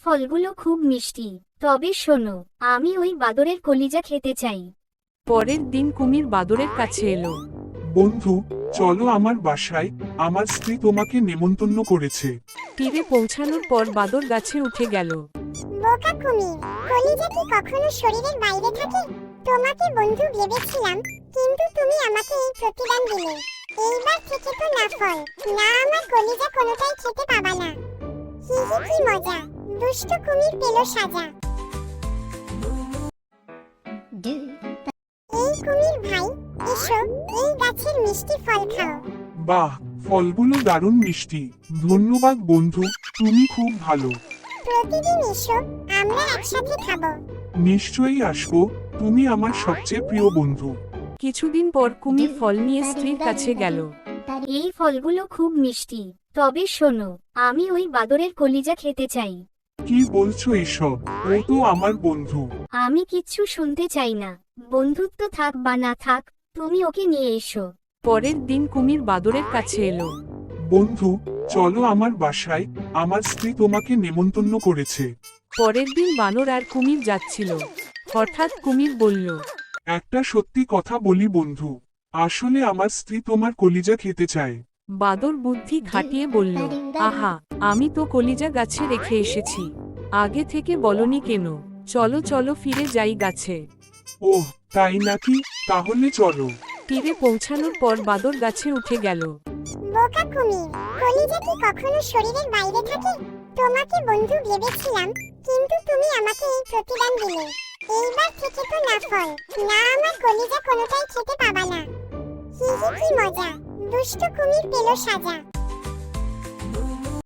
ফলগুলো খুব মিষ্টি, তবে শোনো, আমি ওই বাদরের কলিজা খেতে চাই। পরের দিন কুমির বাদরের কাছে এলো। বন্ধু, চলো আমার বাসায়, আমার স্ত্রী তোমাকে নেমন্তন্ন করেছে। তীরে পৌঁছানোর পর বাদর গাছে উঠে গেল। বোকা কুমির, কলিজা কি কখনো শরীরের বাইরে থাকে? তোমাকে বন্ধু ভেবেছিলাম, কিন্তু তুমি আমাকে এই প্রতিদান দিলে। এইবার থেকে তো না ফল, না আমার কলিজা কোনোটাই খেতে পাবা না। হি হি, কি মজা! দুষ্ট কুমির পেল সাজা। এই কুমির ভাই, এসো, এই গাছের মিষ্টি ফল খাও। বাহ, ফলগুলো দারুণ মিষ্টি। ধন্যবাদ বন্ধু, তুমি খুব ভালো। প্রতিদিন এসো, আমরা একসাথে খাবো। নিশ্চয়ই আসবো, তুমি আমার সবচেয়ে প্রিয় বন্ধু। কিছুদিন পর কুমির ফল নিয়ে স্ত্রীর কাছে গেল। এই ফলগুলো খুব মিষ্টি, তবে শোনো, আমি ওই বাদরের কলিজা খেতে চাই। কি বলছো এসব? ও তো আমার বন্ধু। আমি কিচ্ছু শুনতে চাই না। বন্ধুত্ব থাক বা না থাক, তুমি ওকে নিয়ে এসো। পরের দিন কুমির বাদরের কাছে এলো। বন্ধু, চলো আমার বাসায়, আমার স্ত্রী তোমাকে নেমন্তন্ন করেছে। পরের দিন বানর আর কুমির যাচ্ছিল। হঠাৎ কুমির বলল, একটা সত্যি কথা বলি বন্ধু, আসলে আমার স্ত্রী তোমার কলিজা খেতে চায়। বাদর বুদ্ধি খাটিয়ে বলল, আহা, আমি তো কলিজা গাছে রেখে এসেছি। আগে থেকে বলনি কেন? চলো চলো ফিরে যাই গাছে। ওহ, তাই নাকি? তাহলে চলো। তীরে পৌঁছানোর পর বাদর গাছে উঠে গেল। বোকা কুমির, কলিজা কি কখনো শরীরের বাইরে থাকে? তোমাকে বন্ধু ভেবেছিলাম, কিন্তু তুমি আমাকে এই প্রতিদান দিলে। এইবার থেকে তো না ফল, না আমার কলিজা কোনোটাই খেতে পাবা না। হি হি, কি মজা! দুষ্ট কুমির পেল সাজা।